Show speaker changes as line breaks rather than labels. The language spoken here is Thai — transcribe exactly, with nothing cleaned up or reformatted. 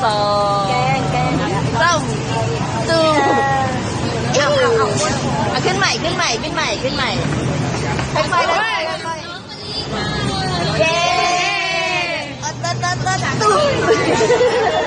สอง
แกงแกง
สามตูเอาเอาเอาเอาขึ้นใหม่ขึ้นใหม่ขึ้นใหม่ขึ้นใหม่ค่อยๆเลยเย้ตัดตัดตัดตู